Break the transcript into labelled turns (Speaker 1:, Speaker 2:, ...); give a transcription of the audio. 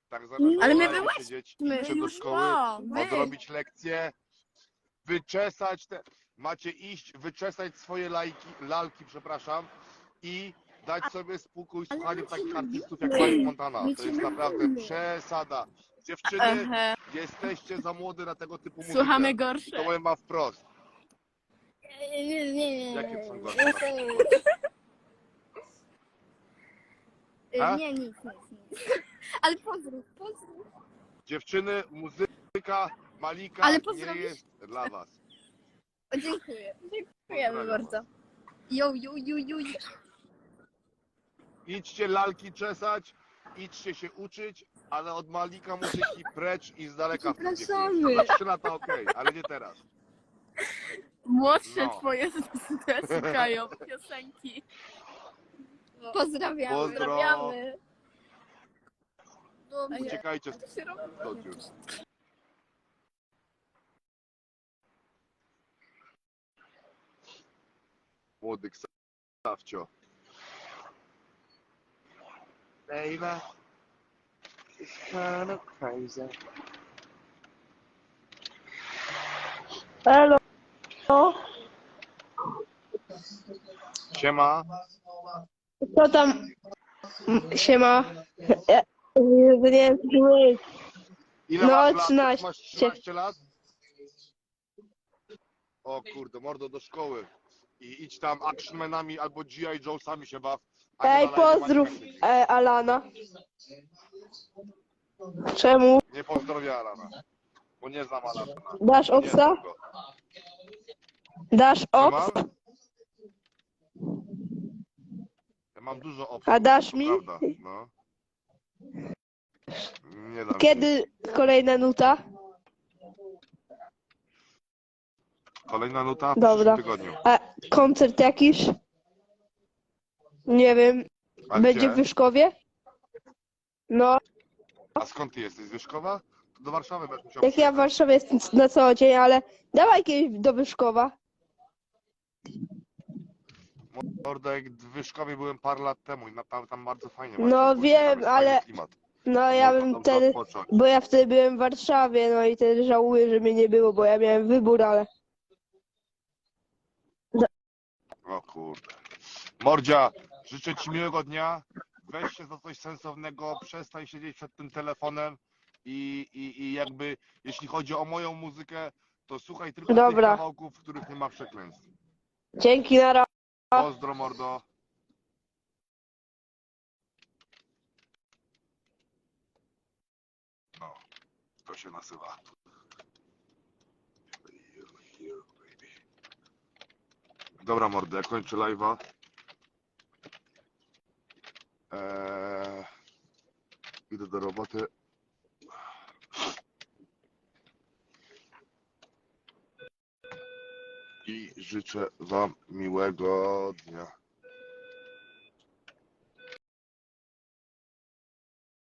Speaker 1: Tak zamiast
Speaker 2: Ale my
Speaker 1: normalnie siedzieć, iść do
Speaker 2: już
Speaker 1: szkoły,
Speaker 2: wy.
Speaker 1: odrobić lekcje, wyczesać te... Macie iść, wyczesać swoje lalki, przepraszam, i dać sobie spokój słuchaniem takich artystów jak Mike Montana. To jest naprawdę przesada. Dziewczyny,
Speaker 2: Aha.
Speaker 1: jesteście za młode na tego typu muzykę.
Speaker 2: Słuchamy
Speaker 1: I to
Speaker 2: gorsze.
Speaker 1: powiem wam wprost.
Speaker 3: Nie.
Speaker 1: Jakie są gorsze na przykład? A?
Speaker 3: Nie, nic. Ale pozdrów.
Speaker 1: Dziewczyny, muzyka Malika
Speaker 3: Ale
Speaker 1: nie
Speaker 3: pozdrowisz?
Speaker 1: jest dla was.
Speaker 3: O, dziękuję. Dziękujemy
Speaker 1: Pozdrawiam
Speaker 3: bardzo. Jo.
Speaker 1: Idźcie lalki czesać, idźcie się uczyć, ale od Malika muzyki precz i z daleka w tym
Speaker 3: Przepraszamy.
Speaker 1: Za 3 lata okej, ale nie teraz.
Speaker 2: Młodsze
Speaker 1: No.
Speaker 2: twoje słuchają piosenki.
Speaker 3: Pozdrawiamy.
Speaker 1: Pozdro.
Speaker 3: Dobrze.
Speaker 1: Uciekajcie stąd już. Młody Ksawcio. Baby, it's kind of crazy.
Speaker 4: Halo.
Speaker 1: Siema.
Speaker 4: Co tam? Siema. Nie wiem, czy mówić.
Speaker 1: Ile
Speaker 4: No,
Speaker 1: masz lat?
Speaker 4: 13.
Speaker 1: Masz 13 lat? O kurde, mordo do szkoły. I idź tam actionmanami albo G.I. Jonesami się baw. a nie
Speaker 4: Ej,
Speaker 1: na live
Speaker 4: pozdrów
Speaker 1: Malika.
Speaker 4: Alana. Czemu?
Speaker 1: Nie pozdrowię Alana. Bo nie znam Alana.
Speaker 4: Dasz
Speaker 1: Nie
Speaker 4: obsa?
Speaker 1: znam go.
Speaker 4: Dasz
Speaker 1: Co
Speaker 4: obs?
Speaker 1: mam? Ja mam dużo opcji.
Speaker 4: A dasz
Speaker 1: to
Speaker 4: mi?
Speaker 1: Prawda, no. Nie dam ci.
Speaker 4: Kiedy kolejna nuta?
Speaker 1: Kolejna nuta w
Speaker 4: Dobra.
Speaker 1: przyszłym tygodniu.
Speaker 4: A koncert jakiś? Nie wiem.
Speaker 1: A
Speaker 4: Będzie
Speaker 1: gdzie?
Speaker 4: w Wyszkowie? No,
Speaker 1: A skąd ty jesteś? Z Wyszkowa? To do Warszawy będziesz musiał
Speaker 4: jak ja w
Speaker 1: przyjechać.
Speaker 4: Warszawie jestem na co dzień, ale dawaj kiedyś do Wyszkowa.
Speaker 1: Mordo, jak w Wyszkowie byłem parę lat temu i tam bardzo fajnie.
Speaker 4: No,
Speaker 1: właśnie było,
Speaker 4: wiem,
Speaker 1: tam jest
Speaker 4: ale-
Speaker 1: fajny klimat.
Speaker 4: No ja
Speaker 1: Można
Speaker 4: bym
Speaker 1: dobrze
Speaker 4: wtedy,
Speaker 1: odpocząć.
Speaker 4: bo ja wtedy byłem w Warszawie, no i wtedy żałuję, że mnie nie było, bo ja miałem wybór, ale
Speaker 1: O kurde. Mordzia, życzę ci miłego dnia. Weź się za coś sensownego, przestań siedzieć przed tym telefonem i jakby, jeśli chodzi o moją muzykę, to słuchaj tylko tych
Speaker 4: Dobra.
Speaker 1: kawałków, w których nie ma przekleństw.
Speaker 4: dzięki, na razie.
Speaker 1: Pozdro, mordo. No, to się nazywa. Dobra, mordo, ja kończę live'a. Idę do roboty. I życzę wam miłego dnia.